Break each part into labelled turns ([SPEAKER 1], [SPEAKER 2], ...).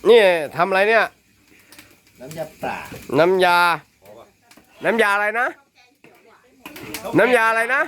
[SPEAKER 1] นี่ทำอะไรเนี่ย
[SPEAKER 2] น้ำยาปลา
[SPEAKER 1] น้ำยาอะไรนะ น้ำยาอะไรนะ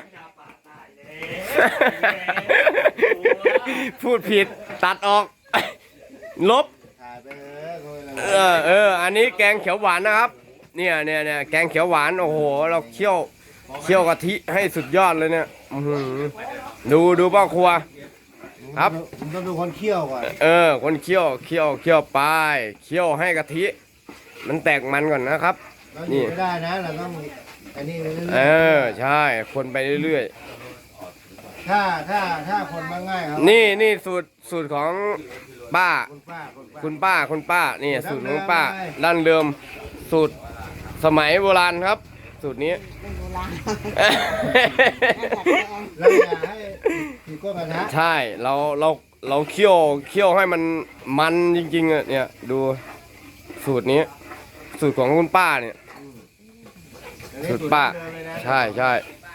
[SPEAKER 1] พูดผิดตัดออก ลบ
[SPEAKER 2] ถ่ายไป
[SPEAKER 1] อันนี้แกงเขียวหวานนะครับ เนี่ยแกงเขียวหวานโอ้โหเราเคี่ยวกะทิให้สุดยอดเลยเนี่ยดูพ่อครัวครับ
[SPEAKER 2] ผมต้องดูคนเคี่ยวก่อน
[SPEAKER 1] คนเคี่ยวไปเคี่ยวให้กะทิมันแตกมันก่อนนะครับ
[SPEAKER 2] นี่ไม่ได้นะเราต้องอันนี้เรื่อย
[SPEAKER 1] ใช่คนไปเรื่อย
[SPEAKER 2] ๆถ้าคนมาง่ายครับ
[SPEAKER 1] นี่สูตรของป้าคุณป้านี่สูตรของป้าดั้งเดิมสูตรสมัยโบราณครับ สูตรนี้
[SPEAKER 2] เราอยากให้ผีก้นกระทะ
[SPEAKER 1] ใช่เราเคี่ยวให้มันจริงๆเนี่ยดูสูตรนี้สูตรของคุณป้าเนี่ยสูตรป้าใช่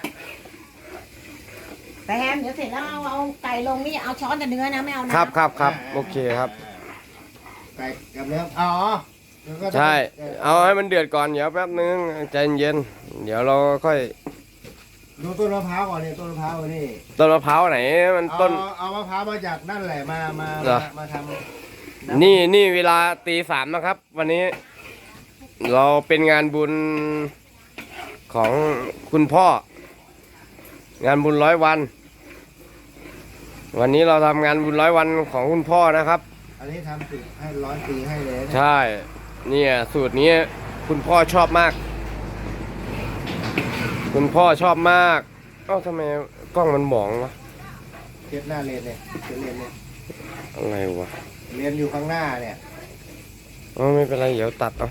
[SPEAKER 3] แต่แฮมเดี๋ยวเสร็จแล้วเอาไก่ลงนี่เอาช้อนแต่เนื้อนะไม่เอานะครับ
[SPEAKER 1] โอเคครับ
[SPEAKER 2] ไก่กับเนื้ออ๋อ
[SPEAKER 1] ใช่เอาให้มันเดือดก่อนเดี๋ยวแป๊บนึงใจเย็นเดี๋ยวเราค่อย
[SPEAKER 2] ดูต้นมะพร้าวก่อนนี่ต้นมะพร้าวนี่
[SPEAKER 1] ต้นมะพร้าวไหนมันต้น
[SPEAKER 2] เอามะพร้าวมาจากนั่นแหละมาท
[SPEAKER 1] ำนี่เวลาตี 3นะครับวันนี้เราเป็นงานบุญของคุณพ่องานบุญ100 วันวันนี้เราทำงานบุญ100 วันของคุณพ่อนะครับ
[SPEAKER 2] อันนี้ทำสูตรให้100 ปีให้เลย
[SPEAKER 1] ใช่เนี่ยสูตรนี้คุณพ่อชอบมากคุณพ่อชอบมากทำไมกล้องมันหมองวะ
[SPEAKER 2] เทียบหน้าเลนเนี่ยเลนเนี่ย
[SPEAKER 1] อะไรวะ
[SPEAKER 2] เลนอยู่ข้างหน้าเนี่ย
[SPEAKER 1] ไม่เป็นไรเดี๋ยวตัด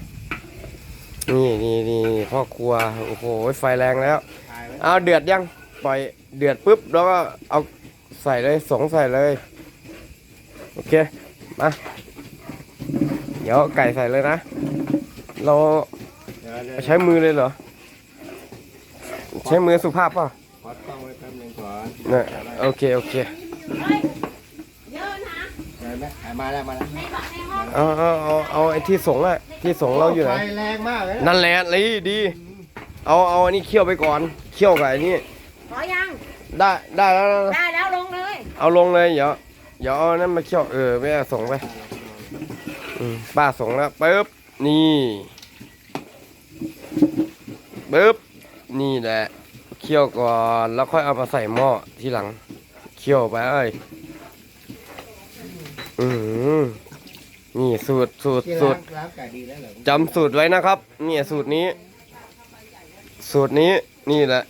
[SPEAKER 1] นี่พ่อครัวโอ้โหไฟแรงแล้วเอาเดือดยังปล่อยเดือดปุ๊บแล้วก็เอาใส่เลยใส่เลยโอเคมาเดี๋ยวไก่ใส่เลยนะเราใช้มือเลยเหรอใช้มือสุภาพป่ะ
[SPEAKER 2] ขอต้องไว้แป๊บนึงก่อน
[SPEAKER 1] เนี่ยโอเค
[SPEAKER 3] เยอะนะ
[SPEAKER 2] ได้ไหมมาแล้ว
[SPEAKER 1] เอาไอ้ที่ส่งอะที่ส่งเราอยู่ไหน
[SPEAKER 2] ไฟแรงมากเลย
[SPEAKER 1] นั่นแหละเลยดีเอาอันนี้เคี่ยวไปก่อนเคี่ยวกับอันนี้
[SPEAKER 3] พอยัง
[SPEAKER 1] ได้
[SPEAKER 3] แล้วลงเลย
[SPEAKER 1] เอาลงเลยเดี๋ยวเอานั้นมาเคี่ยวไม่เอาส่งไปป้าส่งแล้วปึ๊บนี่ปึ๊บนี่แหละเคี่ยวก่อนแล้วค่อยเอามาใส่หม้อทีหลังเคี่ยวไปนี่สูตรจำสูตรไว้นะครับนี่สูตรนี้นี่แหละ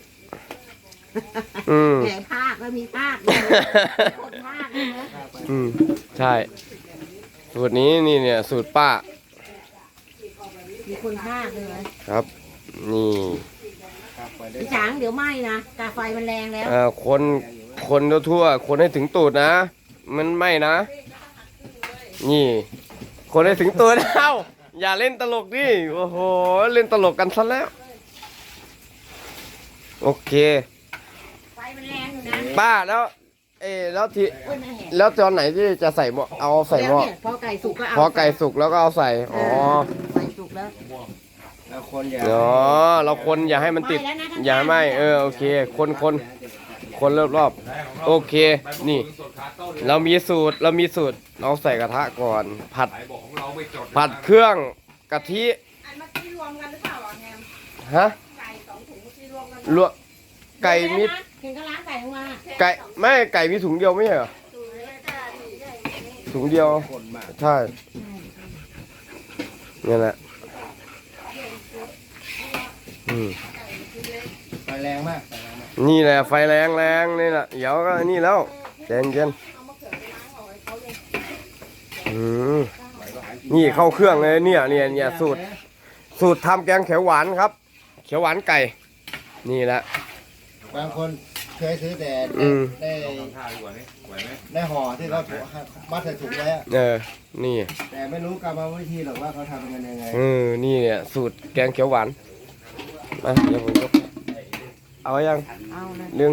[SPEAKER 3] แผลภาคแล้วมีภาคคนภาคเลยนะ
[SPEAKER 1] ใช่สูตรนี้นี่เนี่ยสูตรป้า
[SPEAKER 3] มีคนภาคเลย
[SPEAKER 1] ครับนี่
[SPEAKER 3] พี่ช้างเดี๋ยวไหม้นะกาไฟมันแรงแล้ว
[SPEAKER 1] คนทั่วคนให้ถึงตูดนะมันไหม้นะนี่คนให้ถึงตัวแล้วอย่าเล่นตลกดิโอ้โหเล่นตลกกันซะแล้วโอเค
[SPEAKER 3] ไฟมันแรงอยู่นะ
[SPEAKER 1] ป้าแล้วแล้วตอนไหนที่จะใส่หม้อเอาใส่หม้อ
[SPEAKER 3] พอไก่สุกก็เอา
[SPEAKER 1] พอไก่สุกแล้วก็เอาใส่
[SPEAKER 3] ไก่สุกแล้ว
[SPEAKER 2] เราคน
[SPEAKER 1] เราคนอย่าให้มันติดอย่าไม่โอเคคนรอบโอเคนี่เรามีสูตรเราใส่กระทะก่อนผัดเครื่องกะทิ
[SPEAKER 3] อันเมื่อกี้รวมกันหรือเปล่าแฮม
[SPEAKER 1] ฮะ
[SPEAKER 3] ไก่2 ถุงเมื่อกี้รวมกัน
[SPEAKER 1] รวมไก่มี
[SPEAKER 3] เห็นก็ล้างไก่มา
[SPEAKER 1] ไก่มีถุงเดียวไม่ใช่เหรอถุงเดียวใช่นี่แหละ
[SPEAKER 2] ไฟแรงมาก
[SPEAKER 1] นี่แหละไฟแรงนี่แหละเดี๋ยวก็นี่แล้วเย็นนี่เข้าเครื่องเลยเนี่ยสูตรทำแกงเขียวหวานครับเขียวหวานไก่นี่แหละ
[SPEAKER 2] บางคนเคยซื้อแต่ได้ห่อที่เขามัดใส่ถุงไว้
[SPEAKER 1] นี่
[SPEAKER 2] แต่ไม่รู้กรรมวิธีหรอกว่าเขาทำกันยังไง
[SPEAKER 1] นี่เนี่ยสูตรแกงเขียวหวานมาเดี๋ยวผมเอายัง
[SPEAKER 3] เอาเลย
[SPEAKER 1] เรื่อง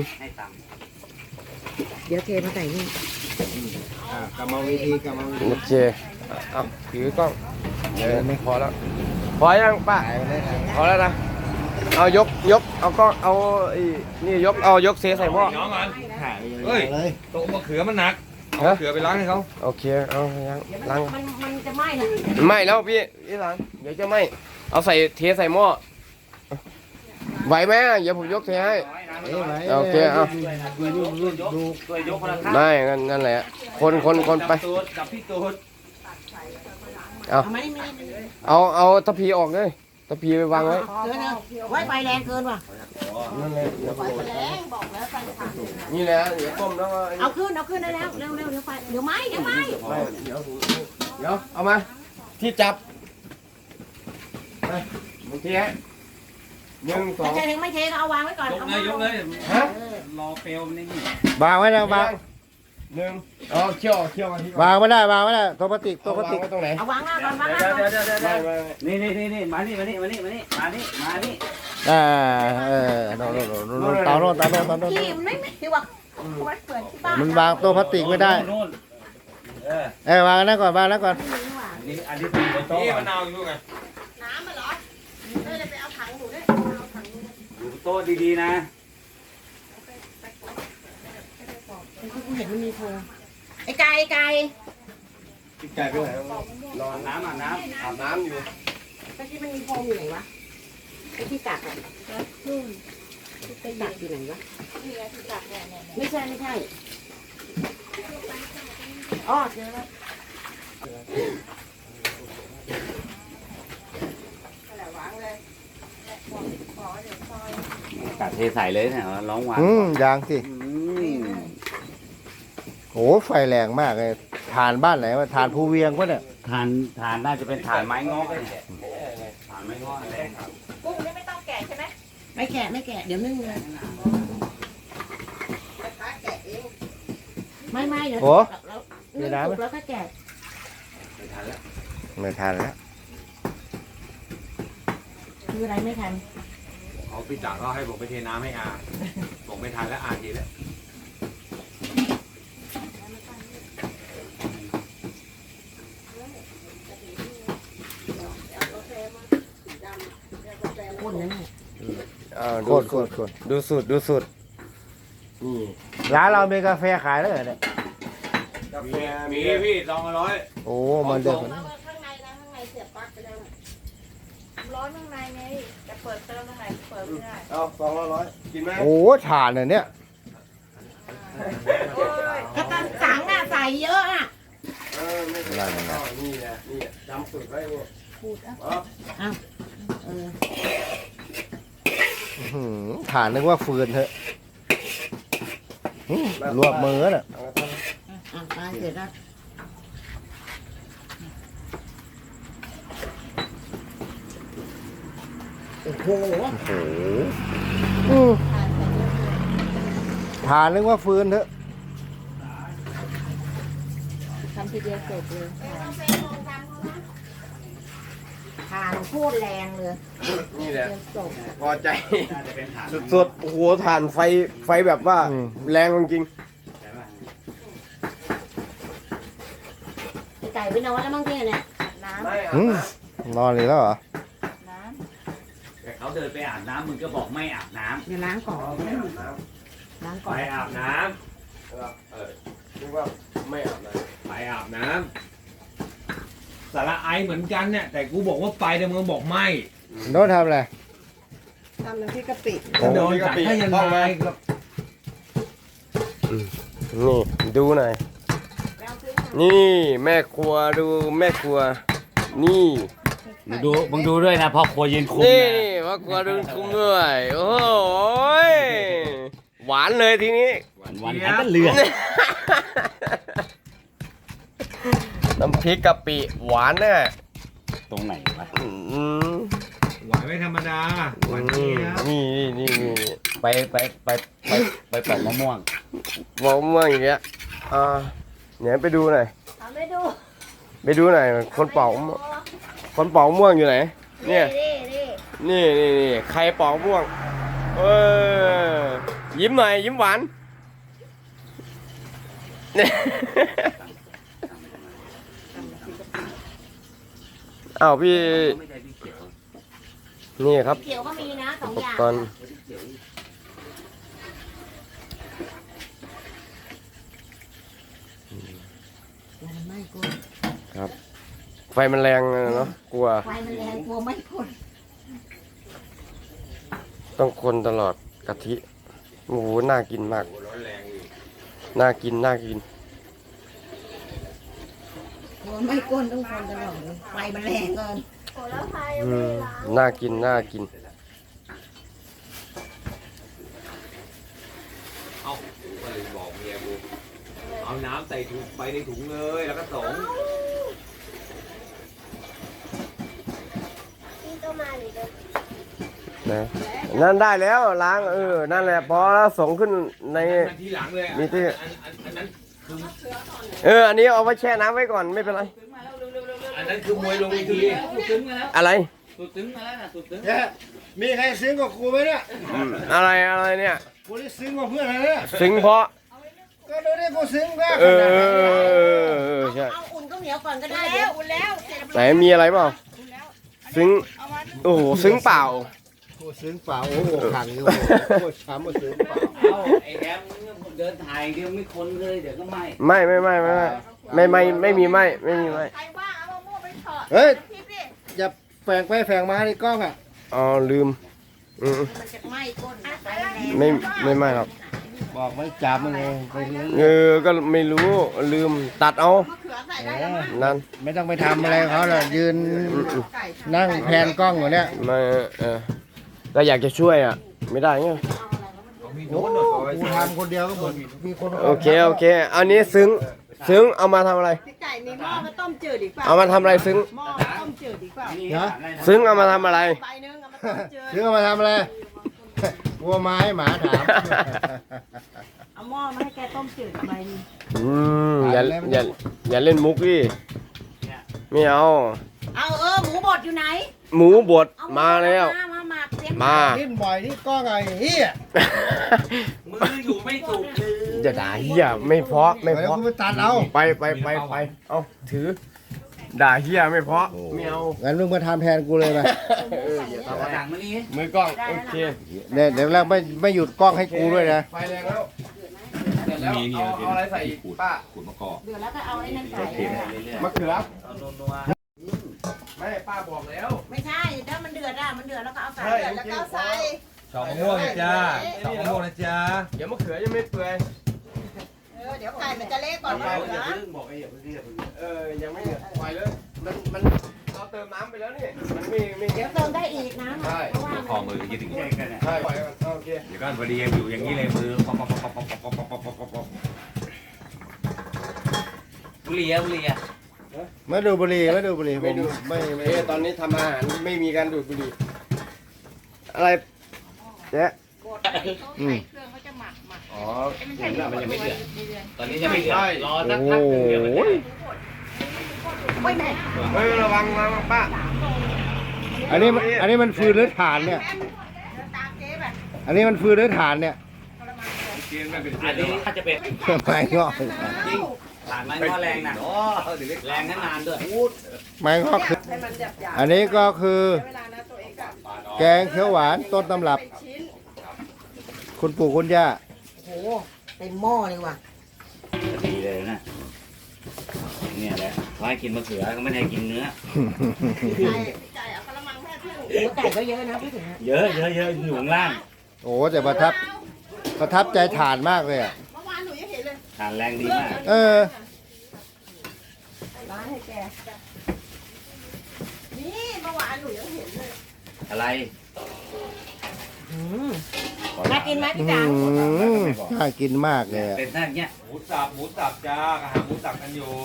[SPEAKER 3] เดี๋ยวเทมาใส่นี่
[SPEAKER 2] กรรมวิธี
[SPEAKER 1] โอเคเอาถือกล้องเดี๋ยวไม่พอแล้วพอยังป้า
[SPEAKER 2] ถ่ายไปเลยนะ
[SPEAKER 1] พอแล้วนะเอายกเอากล้องเอาไอ้นี่ยกเซใส่หม้อ
[SPEAKER 4] น้องก่อน
[SPEAKER 2] ถ่าย
[SPEAKER 4] เฮ้ย
[SPEAKER 2] เลย
[SPEAKER 4] โต๊ะมะเขือมันหนักเอา
[SPEAKER 1] ฮะ
[SPEAKER 4] มะเขือไปล้างให้เขา
[SPEAKER 1] โอเคเอาล้าง
[SPEAKER 3] มันจะไหม้นะ
[SPEAKER 1] ไม่แล้วพี่ล้างเดี๋ยวจะไม่เอาใส่เทใส่หม้อไหวไหมเดี๋ยวผมยกเทให้ โอเคเอา
[SPEAKER 2] ดู
[SPEAKER 4] ช่วยยกคนละข้าง
[SPEAKER 1] ได้งั้นแหละคนไป
[SPEAKER 4] ตูดจับพี่ตูด
[SPEAKER 3] เอามานี่
[SPEAKER 1] เอาตะพีออกเลยตะพีไปวางไว้
[SPEAKER 3] เกินนะไว้ไฟแรงเกินว่ะ
[SPEAKER 1] นั่นแหละ
[SPEAKER 3] ไฟแรงบอกแล้วไฟผ่าน
[SPEAKER 1] นี่แหละเดี๋ยวต้มแล้วก็
[SPEAKER 3] เอาขึ้นได้แล้วเร็วเดี๋ยวไฟเดี๋ยวไหม้
[SPEAKER 1] เดี๋ยวเอามาที่จับไปมึงเทให้1
[SPEAKER 3] ถ้า
[SPEAKER 1] 2
[SPEAKER 3] จะถึงไม่เทก็เอาวางไว้ก่อน
[SPEAKER 4] ยกเลย
[SPEAKER 1] ฮะ
[SPEAKER 4] รอเปลวมันนี่
[SPEAKER 2] วางไว้นะวาง
[SPEAKER 1] 1เอาเคี่ยวกันที่
[SPEAKER 2] วางไม่ได้ตัวพลาสติกตัวพลาสติก
[SPEAKER 1] ไว้ตรงไหน
[SPEAKER 3] เอาวางหน้าก่อนวางหน้า
[SPEAKER 4] เดี๋ยว
[SPEAKER 3] ก่อน
[SPEAKER 4] เดี๋ยวเดี๋ยว
[SPEAKER 1] ไม่
[SPEAKER 4] นี่มานี่มานี่
[SPEAKER 2] โน่นเตาโน่น
[SPEAKER 3] ที่มันไม่ที่ว่าไว้เปิดที่บ้าน
[SPEAKER 2] มันวางตัวพลาสติกไม่ได้
[SPEAKER 4] โน่น
[SPEAKER 2] วางนั่นก่อนวางนั่นก่อน
[SPEAKER 4] อันนี้เป็นบนโต๊ะมะนาวอยู่ไง
[SPEAKER 3] น้ำมาเหรอไปเอาถังหนูด้วย
[SPEAKER 4] อยู่บนโต๊ะดีๆนะ
[SPEAKER 3] กูเห็นมันมีโพไอ้ไก่
[SPEAKER 1] ไก่ไปไหนนอน
[SPEAKER 4] น้ำ
[SPEAKER 1] อาบน้ำอยู่
[SPEAKER 3] เมื่อกี้มันมีโพอยู่ไหนวะไอ้ที่ตักอ่ะที่ตักอยู่ไหนวะไม่ใช่อ๋อเจอแล้ว
[SPEAKER 4] กัดเทใส่เลยเนี่ยร้องหวาน
[SPEAKER 2] ยางสิโอ้ไฟแรงมากเลยฐานบ้านไหนวะฐานภูเวียงวะเนี่ย
[SPEAKER 4] ฐานน่าจะเป็นฐานไม้งอกเลยฐานไม้งอกแรงครับ
[SPEAKER 3] กุ้งนี่ไม่ต้องแกะใช่ไหมไม่แกะเดี๋ยวนึ่งเลยไม่เดี๋ยว
[SPEAKER 2] โอ้
[SPEAKER 3] นึ่งสุกแล้วก็แกะ
[SPEAKER 4] ไม่ทันแล้ว
[SPEAKER 2] ไม่ทันแล้ว
[SPEAKER 3] คืออะไรไม่ทัน
[SPEAKER 4] เขาพี่จ๋าก็ให้ผมไปเทน้ำให้อาบอกไม่ทันแล้วอาทีแล้ว
[SPEAKER 3] ข้นนะเนี่ย
[SPEAKER 2] โคตร
[SPEAKER 1] ดูสูตรนี่
[SPEAKER 2] ร้านเรามีกาแฟขายแล้วเหรอเนี่ย
[SPEAKER 1] กาแฟ
[SPEAKER 4] มีพี่200
[SPEAKER 2] โอ้มันเดิม
[SPEAKER 3] ข้างในเสียบปลั๊กไปแล้วร้อนข้างในไงจะเปิดเติมข้างในเปิดไม่ได้
[SPEAKER 1] เอา200กินไหม
[SPEAKER 2] โอ้ฐานเนี่ย
[SPEAKER 3] กระตันสังอ่ะใส่เยอะอ่ะ
[SPEAKER 1] ไม่เป็นไรนี่แหละจำสูตรไว้เนี่ย
[SPEAKER 3] พูด
[SPEAKER 2] ฐานนึกว่าฟืนเถอะรวบมือน่ะ
[SPEAKER 3] มาเสร็จแล้วโอ้โห
[SPEAKER 2] ฐานนึกว่าฟืนเถอะ
[SPEAKER 3] ทำทีเดียวเสร็จเลยทานโคตรแรงเลย
[SPEAKER 1] นี่แหละ
[SPEAKER 3] จบ
[SPEAKER 1] พอใจสุดๆโอ้โหถ่านไฟแบบว่าแรงจริง
[SPEAKER 3] ไก่ไปนอนแล้วมั้งพี่เนี่ยน้ำ
[SPEAKER 1] ไม่
[SPEAKER 2] นอนเลยแล้วเหรอ
[SPEAKER 4] แต่เขาเดินไปอาบน้ำมึงก็บอกไม่อาบน้
[SPEAKER 3] เดี๋ยวล้างก่อนล้าง
[SPEAKER 4] ำ
[SPEAKER 3] ก่อน
[SPEAKER 4] ไปอาบน้
[SPEAKER 1] นึกว่าไม่อาบน้
[SPEAKER 4] ำไปอาบน้ำสาระไอเหมือนกันเนี่ยแต่กูบอกว่าไปแต่มึงบอกไม่
[SPEAKER 2] โน้ตทำอะไร
[SPEAKER 3] ทำน้ำพริกกะปิ
[SPEAKER 4] โดนจับให้ยังไงก็
[SPEAKER 1] นี่ดูหน่อยนี่แม่ครัวดูแม่ครัวนี่
[SPEAKER 4] มึงดูด้วยนะพ่อครัวยืนคุม
[SPEAKER 1] นี่
[SPEAKER 4] นะ
[SPEAKER 1] แม่ครัวดูคุ้มด้วยโอ้โหหวานเลยทีนี้
[SPEAKER 4] วันให้มันเลือด
[SPEAKER 1] น้ำพริกกะปิหวานแน่
[SPEAKER 4] ตรงไหนวะ
[SPEAKER 1] อืม
[SPEAKER 4] หวานไม่ธรรมดาหวานนี้นะ
[SPEAKER 1] นี่
[SPEAKER 4] ไปปอกมะม่วง
[SPEAKER 1] บอกเมื่ออย่างเงี้ยเนี่ยไปดูหน่อย
[SPEAKER 3] ไม่ดู
[SPEAKER 1] ไปดูหน่อยคนเป่าม่วงอยู่ไหนเนี่ยนี่ใครเป่าม่วงยิ้มหน่อยยิ้มหวานเนี่ยอ้าวพี่
[SPEAKER 4] ไม่ใช่พี่เขียว
[SPEAKER 1] นี่ครับ
[SPEAKER 3] เขียวก็มีนะสอง
[SPEAKER 1] อุป
[SPEAKER 3] อย่าง
[SPEAKER 1] กรณ์
[SPEAKER 4] พี่เขียว
[SPEAKER 3] มันไม่กลัว
[SPEAKER 1] ครับ ไฟมันแรงเนาะกลัว
[SPEAKER 3] ไฟมันแรงกลัวไม่พ้น
[SPEAKER 1] ต้องคนตลอดกะทิโอ้โหน่ากินมาก
[SPEAKER 4] โอ้ร้อนแรงอยู่
[SPEAKER 1] น่ากินน่ากิน
[SPEAKER 3] กลัวไม่ก้นต้องคนตลอดเลยไฟมันแรงเกิน
[SPEAKER 1] น่ากินน่ากิน
[SPEAKER 4] เอากูก็เลยบอกเมียกูเอาน้ำใส่ถุงไปในถุงเลยแล้วก็ส่ง
[SPEAKER 1] นะนั่นได้แล้วล้างนั่นแหละพอแล้วส่งขึ้นใน
[SPEAKER 4] มาทีหลังเลย
[SPEAKER 1] มีที่
[SPEAKER 4] อันนั้นคือ
[SPEAKER 1] อันนี้เอาไว้แช่น้ำไว้ก่อนไม่เป็นไร
[SPEAKER 4] อันนั้นคือมวยลงเวที
[SPEAKER 1] อะไร
[SPEAKER 2] เนี่ยมีใครซึ้งกว่ากูไหมเนี่ย
[SPEAKER 1] อะไรเนี่ย
[SPEAKER 2] กูนี่ซึ้งกว่าเพื่อนเลยเนี่ย
[SPEAKER 1] ซึ้งเพราะ
[SPEAKER 2] ก็ดูดิกูซึ้งก็
[SPEAKER 1] เอ
[SPEAKER 2] ขนาดไหนเนี่ย
[SPEAKER 1] ใช่
[SPEAKER 3] เอาอุ่นก็เหนียวก่อนก็ได้เดี๋ยวอุ่นแล้ว
[SPEAKER 1] ไหนมีอะไรเปล่าซึ้งโอ้โหซึ้งเปล่า
[SPEAKER 2] กูซึ้งเปล่าโอ้โหขังอยู่โคตรช้ำมาซึ้งเปล่า
[SPEAKER 5] เอาไอ้แอมเดินถ่ายเดียวไม่คนเลยเดี๋ยวก็ไหม้
[SPEAKER 1] ไม่มีไม่
[SPEAKER 3] ใครว่าเอามะม่วงไปเถอะ
[SPEAKER 2] เฮ้ย
[SPEAKER 3] ทิพย์ดิ
[SPEAKER 2] อย่าแฝงไปแฝงมาในกล้องอ่ะ
[SPEAKER 1] อ๋อลืมอืม
[SPEAKER 3] มันจะไหม้ก้นไฟแรง
[SPEAKER 1] ไม่หรอก
[SPEAKER 2] บอกไม่จับมันเองไปเลย
[SPEAKER 1] ก็ไม่รู้ลืมตัดเอา
[SPEAKER 3] มะเขือใส่ได้แล้วมั้ง
[SPEAKER 1] นั่น
[SPEAKER 2] ไม่ต้องไปทำอะไรเขาหรอกยืน
[SPEAKER 3] ไก่
[SPEAKER 2] นั่งแพนกล้องอยู่เนี่ย
[SPEAKER 1] ไม่ก็อยากจะช่วยไม่ได้ไง
[SPEAKER 4] มี
[SPEAKER 2] โอ้
[SPEAKER 4] โน้ตหน่อย
[SPEAKER 2] กูทำคนเดียวก็หมดมีคน
[SPEAKER 1] โอเคอันนี้ซึ้งเอามาทำอะไร
[SPEAKER 3] พี่ไก่มีหม้อมาต้มจืดดีกว่า
[SPEAKER 1] เอามาทำอะไรซึ้ง
[SPEAKER 3] หม้อต้มจืดดีกว่า
[SPEAKER 2] นะ
[SPEAKER 1] ซึ้งเอามาทำอะไร
[SPEAKER 3] ใบนึงเอามาต้มจืด
[SPEAKER 2] ซื้อมาทำอะไรกลัวไม้หมาถาม
[SPEAKER 3] เอาหม้อมาให้แกต้มจืดใบนึง
[SPEAKER 1] อย่าเล่นมุกดิไม่เอา
[SPEAKER 3] เอาหมูบดอยู่ไหน
[SPEAKER 1] หมูบด
[SPEAKER 3] เอา
[SPEAKER 1] มาแล้ว
[SPEAKER 3] มาหมักเสียง
[SPEAKER 1] มา
[SPEAKER 2] ดิ้นบ่อยที่กล้องไอ้เหี้ย
[SPEAKER 4] มืออยู่ไม่ถูก
[SPEAKER 1] อย่าด่าเฮียไม่เพราะไม่
[SPEAKER 2] เดี๋ยว
[SPEAKER 1] เพราะ
[SPEAKER 2] กูไปตัดเอา
[SPEAKER 1] ไปเอาถือ ด่าเฮียไม่เพราะไม่เอา
[SPEAKER 2] งั้นมึงมาทำแทนกูเลยไป
[SPEAKER 1] อย่า
[SPEAKER 5] เอา
[SPEAKER 1] ทำอะไร
[SPEAKER 5] ถังมานี่
[SPEAKER 1] มือกล้องโอเค
[SPEAKER 2] เนี่ยเดี๋ยวแล้วไม่หยุดกล้องให้กูด้วยนะ
[SPEAKER 1] ไฟแรงแล้วเสร็จแล้วเอาอะไรใส่อีกป้า
[SPEAKER 4] ขูดมะกอก
[SPEAKER 3] เดือดแล้วก็เอาไอ้นั่นใส่
[SPEAKER 1] มะเขือ
[SPEAKER 5] เอานัว
[SPEAKER 1] ไม่ป้าบอกแล้ว
[SPEAKER 3] ไม่ใช่ถ้ามันเดือดแล้วก็เอาใส่เดือดแล้วก็เอาใส่
[SPEAKER 4] สองมะม่วงนะจ้าสองมะม่วงนะจ้า
[SPEAKER 1] เดี๋ยวมะเขือยังไม่เปื่อย
[SPEAKER 3] เดี๋ยวไก่มันจะเละก่อนนะ
[SPEAKER 1] ยังไม่ปล่อยเลยมันเราเติมน้ำไปแล้วนี่มันไม่
[SPEAKER 3] เดี๋ยวเติมได้อีกนะเพราะว่า
[SPEAKER 4] คอมือยึดถึง
[SPEAKER 5] ๆแยกกันอ่ะ
[SPEAKER 1] ใช่ปล่อยก่อนโอเค
[SPEAKER 4] เดี๋ยวก็พอดีอยู่อย่างนี้เลยมือป๊อป
[SPEAKER 5] บุหรี่อะบุหรี่อะ
[SPEAKER 2] ไม่ดูบุหรี่ผมไม่
[SPEAKER 1] ตอนนี้ทำอาหารไม่มีการดูดบุหรี่อะไรเจ๊
[SPEAKER 3] เครื่องเขาจะหมัก
[SPEAKER 1] อ๋อ
[SPEAKER 5] มันยังไม่เดือดตอนนี้ยังไม่เดือดรอสักพักหนึงเดี๋ยวมันจะ
[SPEAKER 3] โอ้ยแม่
[SPEAKER 1] เฮ้ยระวังป้า
[SPEAKER 2] อันนี้มันฟืนหรือถ่านเนี่ย
[SPEAKER 3] ตามเจ๊แบบ
[SPEAKER 2] อันนี้มันฟืนหรือถ่านเนี่ย
[SPEAKER 4] เกณฑ์ไม่เป็น
[SPEAKER 5] อันนี้ถ้าจะเป็น
[SPEAKER 2] ไม้งอก
[SPEAKER 5] จริงผ่านไม้งอแรงนะแรงนานๆด้วย
[SPEAKER 2] ไม้งอกคือ
[SPEAKER 3] ให้มันหยาบ
[SPEAKER 2] อันนี้ก็คือ
[SPEAKER 3] เวลานะตัวเองกับ
[SPEAKER 2] แกงเขียวหวานต้นตำรับ
[SPEAKER 3] ชิ้น
[SPEAKER 2] คุณปู่คุณย่า
[SPEAKER 3] โอ้โหเต็มหม้อเลยว่ะ
[SPEAKER 5] ดีเลยนะเนี่ยแหละเขาให้กินมะเขือเขาไม่ได้ให้กินเนื้อ
[SPEAKER 3] ไก่เอากระมังแม่พึ่งไก่ก็เยอะนะพูดถึงนะ
[SPEAKER 5] เยอะอยู่ข้างล่าง
[SPEAKER 2] โอ้แต่ประทับใจถ่านมากเลยอ่ะ
[SPEAKER 3] เมื่อวานหนูยังเห็นเลย
[SPEAKER 5] ทานแรงดีมาก
[SPEAKER 2] เออ
[SPEAKER 3] ร้านให้แกนี่เมื่อวานหนูยังเห็นเลย
[SPEAKER 5] อะไร
[SPEAKER 3] น่ากินไหม
[SPEAKER 2] อื
[SPEAKER 3] พี่จ๋าม
[SPEAKER 2] น่ากินมากเลยอะ
[SPEAKER 5] เป็นท่าอย่างเงี้ย
[SPEAKER 4] หมูสับจ้ากระหาหมูสับกันอยู่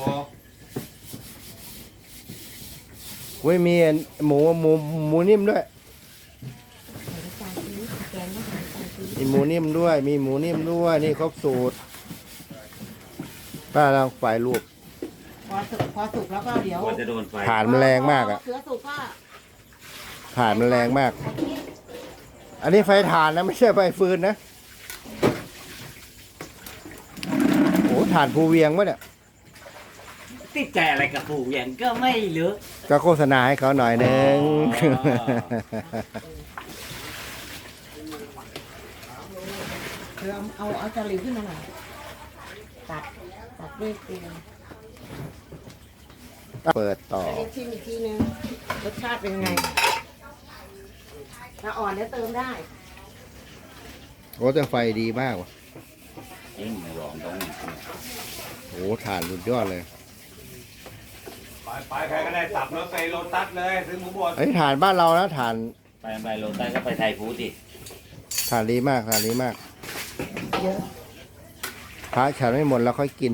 [SPEAKER 2] เว้ยมีหมูนิ่มด้วยมีหมูนิ่มด้วย มีหมูนิ่มด้วย นี่ครบสูตรป้าลองฝ่ายรูป
[SPEAKER 3] พอสุกแล้วก็เดี๋ยว
[SPEAKER 5] กลัวจะโดนไฟ
[SPEAKER 2] ถ่านมันแรงมากอ่ะ
[SPEAKER 3] เสือสุกก็
[SPEAKER 2] ถ่านมันแรงมาก อันนี้ไฟถ่านนะไม่ใช่ไฟฟืนนะโอ้ถ่านภูเวียงวะเนี่ย
[SPEAKER 5] ติดใจอะไรกับปู่อย่างก็ไม่รู้
[SPEAKER 2] ก็โฆษณาให้เขาหน่อยนึง
[SPEAKER 3] เธอเอาจารีขึ้นมาหน่อยตัดด้วยเกลือ
[SPEAKER 2] เปิดต่อ
[SPEAKER 3] เรียกชิมอีกทีนึงรสชาติเป็นไงถ้าอ่อนแล้วเติมได้
[SPEAKER 2] โอ้แต่ไฟดีมากว่ะ
[SPEAKER 5] จริงไม่บอกตรง
[SPEAKER 2] โอ้ถ่านสุดยอดเลย
[SPEAKER 4] ไปใครก็ได้สับรถไปโลตัสเลยซื้อหมูบด
[SPEAKER 2] ไอ้ยถ่านบ้านเรานะถ่าน
[SPEAKER 5] ไปโลตัสก็ไปไทยฟู้ดดิ
[SPEAKER 2] ถ่านดีมากถ่านดีมาก
[SPEAKER 3] เยอะ
[SPEAKER 2] พระฉันไม่หมดแล้วค่อยกิน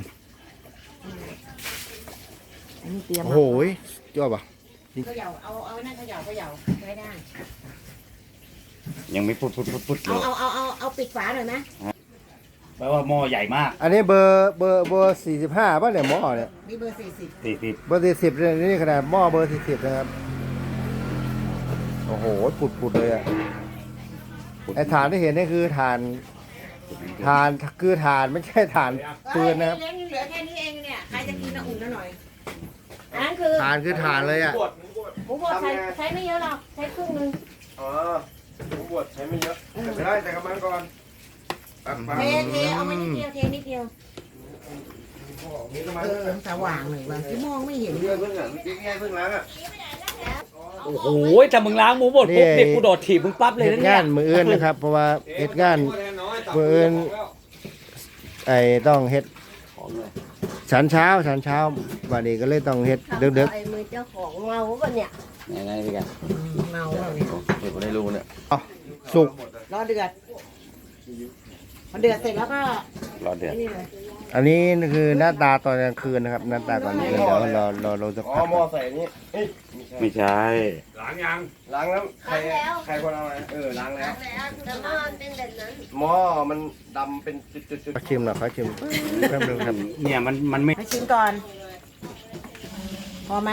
[SPEAKER 3] อันนี้เตรียม
[SPEAKER 2] โอ้โหยอดป่ะ
[SPEAKER 3] เขย่าเอานั่นเขย่าใช้ได้
[SPEAKER 5] ยังไม่พุดเล
[SPEAKER 3] เอาปิดฝาหน่อยไหม
[SPEAKER 5] แปลว่าหม้อใหญ่มาก
[SPEAKER 2] อันนี้เบอร์45ป่ะเนี่ยหม้อเนี่ย
[SPEAKER 3] นี่เบอร์40
[SPEAKER 5] 40
[SPEAKER 2] เบอร์40เนี่ยนี่ขนาดหม้อเบอร์40นะครับ โอ้โหปุดเลยอ่ะไอ้ถ่านที่เห็นนี่คือถ่านคือถ่านไม่ใช่ถ่านปืนนะครับ
[SPEAKER 3] เลี้ยงเหลือแค่นี้เองเนี่ยใครจะกินอุ่นหน่อยอันนั้นคือ
[SPEAKER 2] ถ่านคือถ่านเลยอ่ะ
[SPEAKER 3] หมูบดใช้ไม่เยอะหรอกใช้ครึ่งนึง
[SPEAKER 1] อ๋อหมูบดใช้ไม่เยอะแต่ได้แต่กำลังก่อนปัก
[SPEAKER 3] เทเอามานิดเดียวเทนิดเดียว
[SPEAKER 1] มีกำลัง
[SPEAKER 3] สว่างหน่อยว่าที่มองไม่เห็น
[SPEAKER 1] เรื่องเพิ่งอ่ะง่ายเพิ่งล้างอ่ะ
[SPEAKER 5] โอ้โหถ้ามึงล้างหมูบดปุ๊บเด็กกูโดดถีบมึงปั๊บเลย
[SPEAKER 2] เฮ็ด
[SPEAKER 5] นะเนี่
[SPEAKER 2] งาย นมืออื่นนะครับ เพราะว่าเฮ็ดงาน เบิ่ง ไอ้ต้องเฮ็ดฉันเช้าวันนี้ก็เลยต้องเฮ็ดดึก
[SPEAKER 3] ไอ้มือเจ้าของเมาป่ะเนี่ย
[SPEAKER 5] ไหนพี่กัน
[SPEAKER 3] เมาป่ะเนี่ย
[SPEAKER 5] เด็กกูได้รู้เนี่ย
[SPEAKER 2] ๆสุก
[SPEAKER 3] รอเดือดพอเดือดเสร็จแล้วก็
[SPEAKER 5] รอเดือด
[SPEAKER 3] นี่เลย
[SPEAKER 2] อันนี้คือหน้าตาตอนกลางคืนนะครับหน้าตาตอนกลางคืนเดี๋ยวเราจะ
[SPEAKER 1] อ๋อ
[SPEAKER 2] พัก
[SPEAKER 1] หม้อใส่นี้เฮ้ย
[SPEAKER 5] ไม่ใช่
[SPEAKER 4] ล้างยัง
[SPEAKER 1] ล้างแล้วใครคนเอาอะไรล้างแล้ว
[SPEAKER 3] แต่ว่ามันเป็นแบบนั้น
[SPEAKER 1] หม้อมันดำเป็นจุด
[SPEAKER 2] ขอชิมหน่อยขอชิมแป๊บนึงครับ
[SPEAKER 5] เนี่ยมันไม่
[SPEAKER 3] มาชิมก่อน พอไหม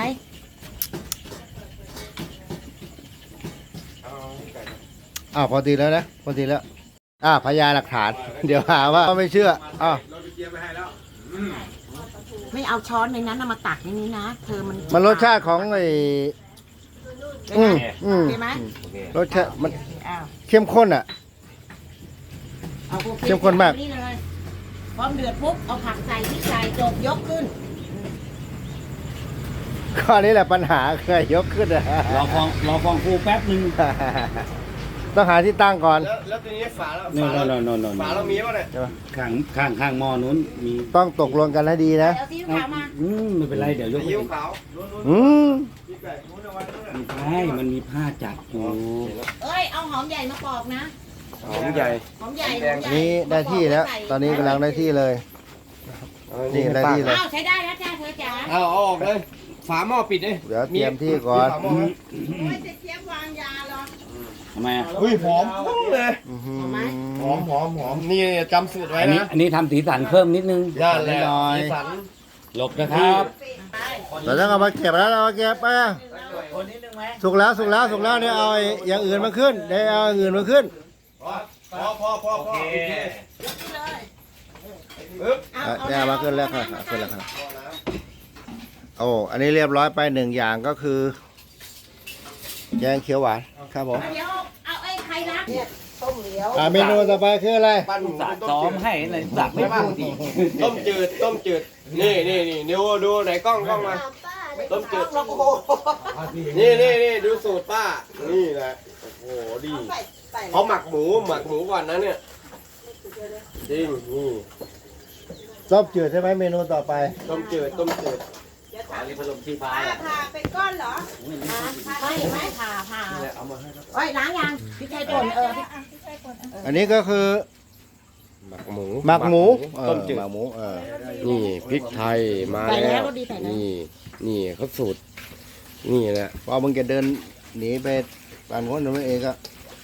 [SPEAKER 2] อ้าวพอดีแล้วนะพอดีแล้วพยานหลักฐาน เดี๋ยวหาว่าไม่เชื่ออ้าว
[SPEAKER 4] เราไปเตรียมไปให้แล้ว
[SPEAKER 3] ไม่เอาช้อนในนั้นเอามาตักในนี้นะเธอมัน
[SPEAKER 2] มันรสชาติของไอ้
[SPEAKER 3] เป็นไง
[SPEAKER 2] อืม
[SPEAKER 3] โอเคไหม
[SPEAKER 2] รสชาติมัน
[SPEAKER 3] อ้าว
[SPEAKER 2] เข้มข้นอ่ะ
[SPEAKER 3] เอาโอ
[SPEAKER 2] เข้มข้นมาก
[SPEAKER 3] นี่เลยพร้อมเดือดปุ๊บเอาผักใส่ที่ใส่จบยกขึ้น
[SPEAKER 2] ข้อนี้แหละปัญหาเคยยกขึ้นอะ
[SPEAKER 5] รอฟองฟูแป๊บนึง
[SPEAKER 2] ต้องหาที่ตั้งก่อน
[SPEAKER 1] แล้วทีนี้ฝาแล้ว
[SPEAKER 5] โน่น
[SPEAKER 1] ฝาเรามีป่ะเนี่ย
[SPEAKER 5] ข้างหม้อนู้นมี
[SPEAKER 2] ต้องตกลงกันให้ดีนะ
[SPEAKER 3] เอาซีอิ๊วขาวมา
[SPEAKER 5] ไม่เป็นไรเดี๋ยวยกไป
[SPEAKER 1] ยิ้วขาว
[SPEAKER 2] อืม
[SPEAKER 5] ไม่ใช่มันมีผ้าจับอยู่
[SPEAKER 3] เอ้ยเอาหอมใหญ่มาปอกนะ
[SPEAKER 1] หอมใหญ่
[SPEAKER 3] หอมใหญ่
[SPEAKER 2] อันนี้ได้ที่แล้ว ตอนนี้กำลังได้ที่เลย นี่ได้ที่เลย
[SPEAKER 3] อ้าวใช้ได้แล้วจ้าเธอจ๋า
[SPEAKER 1] เอาออกเลยฝาหม้อปิดเลย
[SPEAKER 2] เดี๋ยวเตรียมที่ก่อน
[SPEAKER 1] มีฝาหม้อไหม
[SPEAKER 3] ไม่จะเทียบวางยาหรอ
[SPEAKER 5] ทำไมอ่ะ
[SPEAKER 1] เฮ้ยหอมพุ่งเลย
[SPEAKER 2] อื้อหือ
[SPEAKER 1] หอมนี่จำสูตรไว้
[SPEAKER 5] อันนี้
[SPEAKER 1] นะ
[SPEAKER 5] ทำสีสันเพิ่มนิดนึง
[SPEAKER 1] ย่านแหละ
[SPEAKER 5] หน่อย
[SPEAKER 1] สีสัน
[SPEAKER 5] หลบนะครับ
[SPEAKER 2] เราต้องเอามาเก็บแล้วเอามาเก็บไปสุกแล้วเนี่ยเอาอย่างอื่นมาขึ้นได้เอาอย่างอื่นมาขึ้น
[SPEAKER 1] พอโอเคปึ๊บ
[SPEAKER 2] เนี่ยเอามาขึ้นแล้วครับขึ้นแล้วครับโอ้อันนี้เรียบร้อยไปหนึ่งอย่างก็คือแกงเขียวหวานครับผม
[SPEAKER 3] เดี๋ยวเอาไอ้ไข่รักเนี่ยต้มเหลียว
[SPEAKER 2] เมนูต่อไปคืออะไร
[SPEAKER 1] ปั้นหมู
[SPEAKER 5] สัต
[SPEAKER 1] ต้
[SPEAKER 5] ซ้อ
[SPEAKER 1] จื
[SPEAKER 5] ม
[SPEAKER 1] ด
[SPEAKER 5] ให้เลยสักไม่พูดอีก
[SPEAKER 1] ต้มจืดนี่ดูไหนกล้องมา ต้มจืด
[SPEAKER 3] โอ้โห
[SPEAKER 1] นี่ดูสูตรป้านี่แหละโอ้โหดีเขาหมักหมูก่อนนะเนี่ยจริงนี่
[SPEAKER 2] ต้มจืดใช่ไหมเมนูต่อไป
[SPEAKER 1] ต้มจืด
[SPEAKER 5] อันนี้พัดลมชีฟ้า
[SPEAKER 3] ผ่าเป็นก้อนเหรอไม่ผ่าโอ้ยล้างยังพริกไทยป่น
[SPEAKER 2] อันนี้ก็คือ
[SPEAKER 1] หมักหมู
[SPEAKER 2] หมักหมู
[SPEAKER 1] ต้มจืด
[SPEAKER 2] หมักหมู
[SPEAKER 1] นี่พริกไทยมา
[SPEAKER 3] ใส่
[SPEAKER 1] แล้
[SPEAKER 3] แล้ว
[SPEAKER 1] ว
[SPEAKER 3] รสดีใส่แล้ว
[SPEAKER 1] นี่เขาสูตรนี่แหละ
[SPEAKER 2] พอมึงจะเดินหนีไปปั่นคนหนูเองก็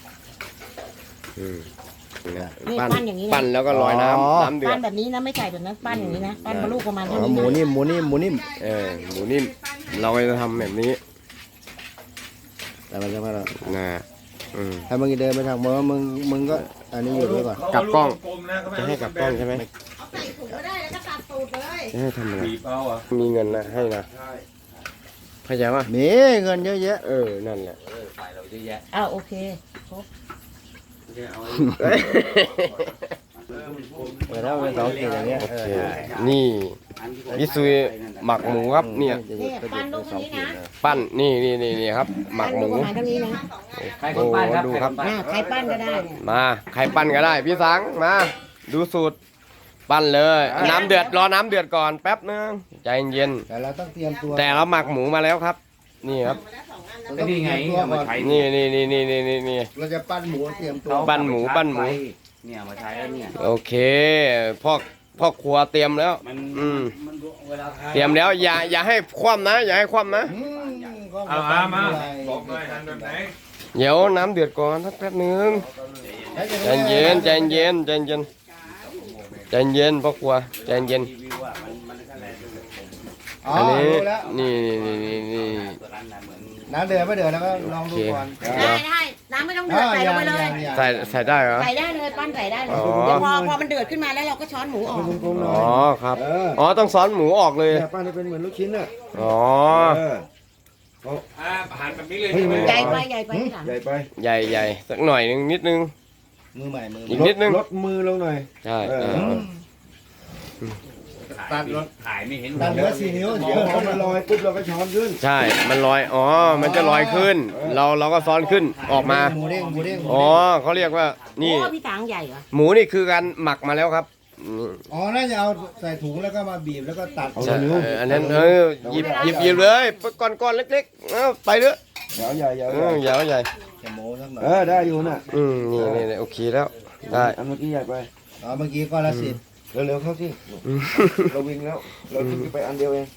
[SPEAKER 3] นี่ปั้นอย่างนี้นะ
[SPEAKER 1] ปั้นแล้วก็ลอยน้ำเดือ
[SPEAKER 3] ปั้
[SPEAKER 1] ด
[SPEAKER 3] นแบบนี้นะไม่ใส่แบบนั้นปั้นอย่างนี้นะปั้นบรรลุประมาณเท่า
[SPEAKER 2] ห
[SPEAKER 3] นี้
[SPEAKER 2] มูนิ่มหมูนิ่ม
[SPEAKER 1] หมูนิ่มเราจะทำแบบนี้
[SPEAKER 2] แต่มันจะมาแล้ว
[SPEAKER 1] นะอืม
[SPEAKER 2] ถ้ามึงจะเดินไปทางมึงก็อันนี้อยู่ด้วยก่อน
[SPEAKER 1] กลับกล้อง
[SPEAKER 4] ลมๆนะ
[SPEAKER 1] จะให้กลับกล้องใช่ไหม
[SPEAKER 3] เอาใส่ถุงก็ได้แล้วก็ตัดตูสูตรเลย
[SPEAKER 1] จะให้ทำอะไร
[SPEAKER 4] บีบเอาอ่ะ
[SPEAKER 1] มีเงินนะให้นะเข้าใจป่ะ
[SPEAKER 2] มีเงินเยอะแยะ
[SPEAKER 1] นั่นแหละ
[SPEAKER 5] ไฟเราเยอะแยะ
[SPEAKER 3] อ้าวโอเค
[SPEAKER 2] แล้วเป็น2 ขีดอย่างเงี้ย
[SPEAKER 1] โอเคนี่พี่ซุยหมักหมูครับเนี่ย
[SPEAKER 3] นี่ปั้นลูกนี้นะ
[SPEAKER 1] ปั้นนี่ครับ หมักหมู
[SPEAKER 3] ปั้นลูประมาณเท่านี้นะ
[SPEAKER 5] ใครคนปั้นครับ
[SPEAKER 1] โอ้ดู
[SPEAKER 5] ใคร
[SPEAKER 1] ค
[SPEAKER 5] ค
[SPEAKER 1] รับ
[SPEAKER 5] นปั้น
[SPEAKER 3] ใครปั้นก็ได้เนี่ย
[SPEAKER 1] มาใครปั้นก็ได้พี่สังมา ดูสูตร ปั้นเลยน้ำเดือดรอน้ำเดือดก่อนแป๊บนึงใจเย็น
[SPEAKER 2] แต่เราต้องเตรียมตัว
[SPEAKER 1] แต่เราหมักหมูมาแล้วครับ นี่ครับ
[SPEAKER 5] ก็นี่ไงเอามาใช้
[SPEAKER 1] นี่
[SPEAKER 2] เราจะปั้นหมูเตรียมตัว
[SPEAKER 1] ปั้นหมูปั้นหมู
[SPEAKER 5] เนี่ยเอามาใช้แล้วเนี่ย
[SPEAKER 1] โอเคพ่อครัวเตรียมแล้ว
[SPEAKER 5] มัน
[SPEAKER 1] อืม
[SPEAKER 5] มันเวลาทาน
[SPEAKER 1] เตรียมแล้วอย่าให้คว่ำนะ อย่าให้คว่ำนะ
[SPEAKER 4] เอามาบอกหน่อยทำแบบไหน
[SPEAKER 1] เดี๋ยวน้ำเดือดก่อนสักแป๊บนึงใจเย็นใจเย็นใจเย็นใจเย็นพ่อครัวใจเย็น
[SPEAKER 5] รีวิวอ่ะมันก็แรง
[SPEAKER 2] อ๋อ
[SPEAKER 1] อันนี้
[SPEAKER 2] รู้แล้ว
[SPEAKER 1] นี่
[SPEAKER 5] ตัวนั้นนะเหมือน
[SPEAKER 2] น้ำเดือดไม่เดือดแล้วก็ลองดูก่อน
[SPEAKER 3] ได้น้ำไม่ต้องเดือดใส่ลงไปเลย
[SPEAKER 1] ใส่ได้เหรอ
[SPEAKER 3] ใส่ได้เลยปั้นใส่ได้เลย
[SPEAKER 1] อ๋อ
[SPEAKER 3] เดี๋ยวพอมันเดือดขึ้นมาแล้วเราก็ช้อนหมูออก
[SPEAKER 1] อ๋อครับอ๋อต้องซ้อนหมูออกเลย
[SPEAKER 2] ปั้นให้เป็นเหมือนลูกชิ้นน่ะ
[SPEAKER 1] อ๋อ
[SPEAKER 4] หันแบบนี้เลยใช่ไหม
[SPEAKER 3] ใหญ่ไปใหญ่ไปที่หลัง
[SPEAKER 2] ใหญ่ไป
[SPEAKER 1] ใหญ่สักหน่อยนึงนิดนึง
[SPEAKER 2] มือใหม่มือ
[SPEAKER 1] อีกนิดนึง
[SPEAKER 2] ลดมือลงหน่อย
[SPEAKER 1] ใช่
[SPEAKER 2] ตัดรถ
[SPEAKER 5] ถ่ายไม่เห็น
[SPEAKER 2] ตัดเหลือ4 นิ้วเดี๋ยวพอมันลอยปุ๊บเราก็ช้อนขึ้น
[SPEAKER 1] ใช่มันลอยอ๋อมันจะลอยขึ้น เราก็ซ้อนขึ้นออกมา
[SPEAKER 2] หมูเด้งหมูเด้ง
[SPEAKER 1] อ๋อเขาเรียกว่านี่
[SPEAKER 3] โอ้พี่ตังใหญ่เหรอ
[SPEAKER 1] หมูนี่คือการหมักมาแล้วครับอืม
[SPEAKER 2] อ๋อน่าจะเอาใส่ถุงแล้วก็มาบีบแล้วก็ตัด
[SPEAKER 1] ใช่อันนั้นหยิบเลยก้อนเล็กๆไปเถอะ
[SPEAKER 2] เดี๋ยวใหญ่ใหญ่
[SPEAKER 1] ใหญ่ใหญ่
[SPEAKER 2] จะโม้สักหน่อยได้อยู่น่ะ
[SPEAKER 1] นี่โอเคแล้วได้
[SPEAKER 2] อันเมื่อกี้ใหญ่ไปอ๋อเมื่อกี้ก้อนละ10เร็วๆเข้าที่เราวิ่งแล้วเราทิ้งไปอันเดียวเอง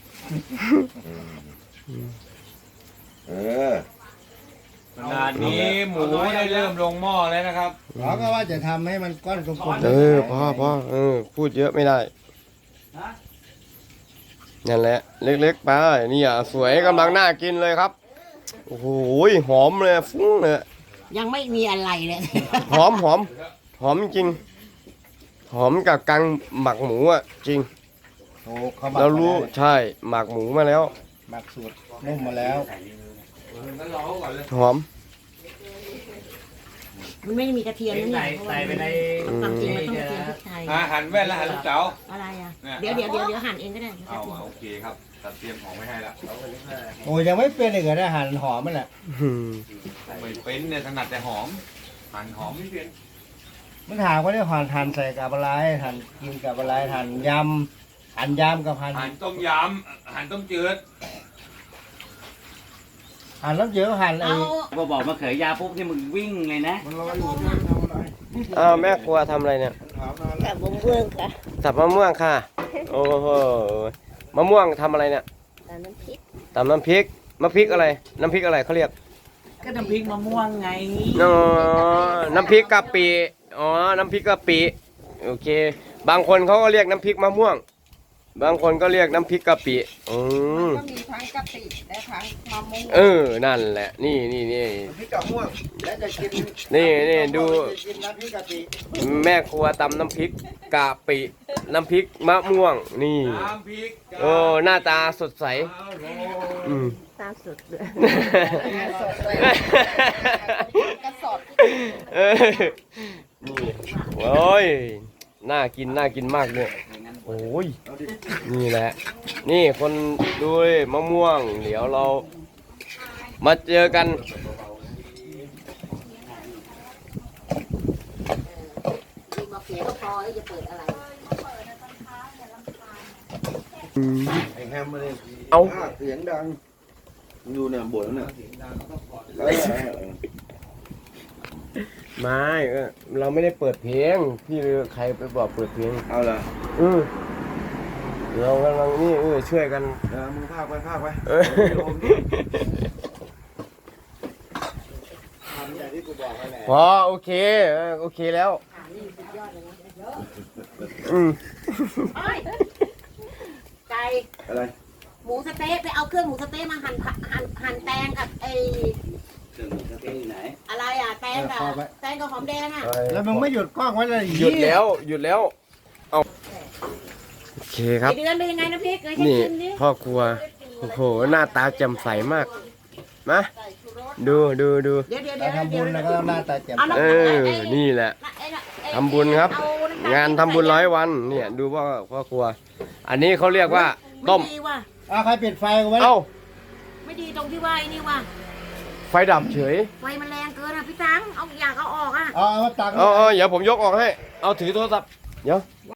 [SPEAKER 4] ขนาดนี้หมูได้เริ่มลงหม้อแล้วนะครับ
[SPEAKER 2] เราก็ว่าจะทำให้มันก้อนกลมๆ
[SPEAKER 1] พ่อพูดเยอะไม่ได้นั่นแหละเล็กๆไปนี่อ่ะสวยกำลังน่ากินเลยครับโอ้โหหอมเลยฟุ้งเลย
[SPEAKER 3] ยังไม่มีอะไรเลย
[SPEAKER 1] หอมจริงหอมกับกังหมักหมูอ่ะจริง
[SPEAKER 2] โอ้เขาหมัก
[SPEAKER 1] เรารู้ใช่หมักหมูมาแล้ว
[SPEAKER 2] หมักสูตรนุ่มมาแล้ว
[SPEAKER 1] หอม
[SPEAKER 3] มันไม่ได้มีกระเทียมนะเนี่ยเพราะว่า
[SPEAKER 5] ใส่ไปใน
[SPEAKER 3] ความจริงมันต้องกระเทียมพริกไทย
[SPEAKER 4] หันแว่นแล้วหันลูกเต๋า
[SPEAKER 3] อะไรอ่ะ
[SPEAKER 4] เนี่ย
[SPEAKER 3] เดี๋ยวหั่นเองก็ได้
[SPEAKER 4] เอาโอเคครับตัดเตรียมของไว้ให้แล้ว
[SPEAKER 2] โอ้ยังไม่เป็นเลยเหรอเนี่ยหั่นหอมมันแหละ
[SPEAKER 4] ไม่เป็นเนี่ยถนัดแต่หอมหั่นหอมไม่เป็น
[SPEAKER 2] มันถามว่าเนี่ยหั่นใส่กับอะไรหั่นกินกับอะไรหั่นยำกับหั่น
[SPEAKER 4] หั่นต้มยำหั่นต้มจืด
[SPEAKER 2] หั่นแล้วเยอะหั่นไอ้
[SPEAKER 3] เอา
[SPEAKER 5] พอบอกมะเขือยาวปุ๊บนี่มึงวิ่งเลยนะ
[SPEAKER 2] มันรออยู่เนี่ยทำอะไร
[SPEAKER 1] แม่ครัวทำอะไรเนี่ย
[SPEAKER 2] ถามมาแล้ว
[SPEAKER 3] กับมะม่วงค่ะ
[SPEAKER 1] สับมะม่วงค่ะโอ้โหมะม่วงทำอะไรเนี่ย
[SPEAKER 3] แต่น้ำพริก
[SPEAKER 1] ตำน้ำพริกน้ำพริกอะไรน้ำพริกอะไรเขาเรียก
[SPEAKER 3] ก็น้ำพริกมะม่วงไง
[SPEAKER 1] อ๋อน้ำพริกกะปิอ๋อน้ำพริกกะปิโอเค บางคนเขาก็เรียกน้ำพริกมะม่วง บางคนก็เรียกน้ำพริกกะปิอืม
[SPEAKER 3] ก็มีทั้งกะปิและทั้งมะม่วง
[SPEAKER 1] นั่นแหละนี่
[SPEAKER 2] พริกกับม่วงแล้วจะกิน
[SPEAKER 1] นี่ดู
[SPEAKER 2] จะกินน้ำพริกกะปิ
[SPEAKER 1] แม่ครัวตำน้ำพริกกะปิน้ำพริกมะม่วงนี่
[SPEAKER 4] น้ำพริก
[SPEAKER 1] โอ้หน้าตาสดใสอืม
[SPEAKER 3] ตามสุดเลย
[SPEAKER 1] กระสอบนี่โอ้ยน่ากินมากเนี่ยโอ้ยนี่แหละ นี่คนดูดิมะม่วง เดี๋ยวเรามาเจอกัน
[SPEAKER 3] มีมะเขือก็พอแล้วจะเปิดอะไร
[SPEAKER 2] ไอ้แฮมมาเลย
[SPEAKER 1] เอา
[SPEAKER 2] เสียงดังอยู่เนี่ยบ่นเนี่ย
[SPEAKER 1] ไม่เราไม่ได้เปิดเพลงพี่ใครไปบอกเปิดเพลง
[SPEAKER 2] เอาละ
[SPEAKER 1] เรากำลังนี่ช่วยกัน
[SPEAKER 2] มึงพากไปทำอย่างที่กูบอกไปแหละ
[SPEAKER 1] พอโอเคโอเคแล้ว
[SPEAKER 3] ไก่
[SPEAKER 2] อะไร
[SPEAKER 3] หมูสะเต๊ะไปเอาเครื่องหมูสะเต๊ะมาหั่นแตงกับไอ
[SPEAKER 5] เครื่องมือเครื่องอยู่ไหน
[SPEAKER 3] อะไรอ่ะแตงกับหอมแดงอ่ะ
[SPEAKER 2] แล้วมึงไม่หยุดกล้องไว้เลย
[SPEAKER 1] หยุดแล้วเอาโอเคเคครับ
[SPEAKER 3] ไอเดือนเป็นยังไงนะพี่เคยให้
[SPEAKER 1] นี่
[SPEAKER 3] ชิมดิ
[SPEAKER 1] พ่อครัวโอ้โหหน้าตาแจ่มใสมากมาดู
[SPEAKER 3] เดี๋ยว
[SPEAKER 2] การทำบุญแล้วก็ต้องหน้าตาแจ่ม
[SPEAKER 3] เอา
[SPEAKER 2] ใส
[SPEAKER 3] น้ำ
[SPEAKER 1] เอ
[SPEAKER 3] ไอ้
[SPEAKER 1] อนี่แหละ
[SPEAKER 3] ไอ้น่ะไอ้
[SPEAKER 1] ทำบุญครับ
[SPEAKER 3] เอำตล
[SPEAKER 1] งานทำบุญ100 วันเนี่ยดูว่าพ่อครัว อันนี้เขาเรียกว่าต้ม
[SPEAKER 3] ไดีว่ะ
[SPEAKER 2] อ้าวใครปิดไฟกูไว้
[SPEAKER 1] เอ้า
[SPEAKER 3] ไม่ดีตรงที่ว่าไอ้นี่ว่ะ
[SPEAKER 1] ไฟดับเฉย
[SPEAKER 3] ไฟมันแรงเกินอ่ะพี่ตังเอาอยากเอาออกอ่ะ
[SPEAKER 2] เอามาตัก
[SPEAKER 1] เอาเดี๋ยวผมยกออกให้ เอาถือโทรศัพท์เดี๋ยว